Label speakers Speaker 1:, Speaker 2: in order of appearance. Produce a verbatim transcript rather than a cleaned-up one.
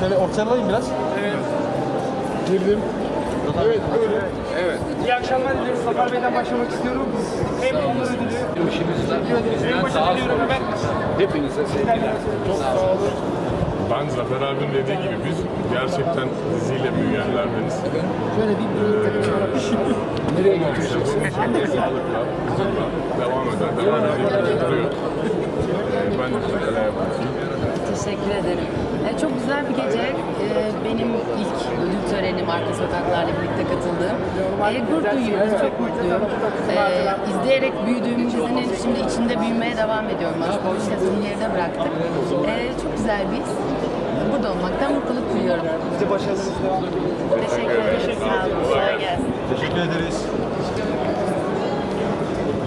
Speaker 1: Şöyle ortaya alayım biraz.
Speaker 2: Evet.
Speaker 1: Girdim.
Speaker 2: Evet, böyle.
Speaker 3: Evet.
Speaker 2: İyi akşamlar diliyoruz. Zafer Bey'den başlamak istiyorum. Hem onur ödülü.
Speaker 3: İşimizden
Speaker 2: En
Speaker 3: bizden
Speaker 2: başta
Speaker 3: daha
Speaker 2: diliyorum
Speaker 3: sonra
Speaker 2: hemen.
Speaker 3: hepinize sevgiler.
Speaker 1: Çok sağ olun.
Speaker 4: Ben Zafer abinin dediği gibi biz gerçekten diziyle büyüyenlerdeniz.
Speaker 1: Şöyle bir
Speaker 4: Nereye götüreceksin? Sağlıkla, huzurla devam eder. Devam edecek duruyor. Ee, ben de neler yapayım.
Speaker 5: Teşekkür ederim. Ee, çok güzel bir gece. Ee, benim ilk ödül törenim Arka Sokaklar'la birlikte katıldığım. Ee, gurur duyuyoruz, çok mutluyum. Ee, izleyerek büyüdüğüm dizinin şimdi içinde büyümeye devam ediyorum. Aslında bu sezonu geride bıraktık. Ee, çok güzel bir his. Burada olmaktan mutluluk duyuyorum.
Speaker 2: Size başarılarınız devam ediyor.
Speaker 5: Teşekkür ederim. Sağ olun. Kolay gelsin.
Speaker 1: Teşekkür ederiz.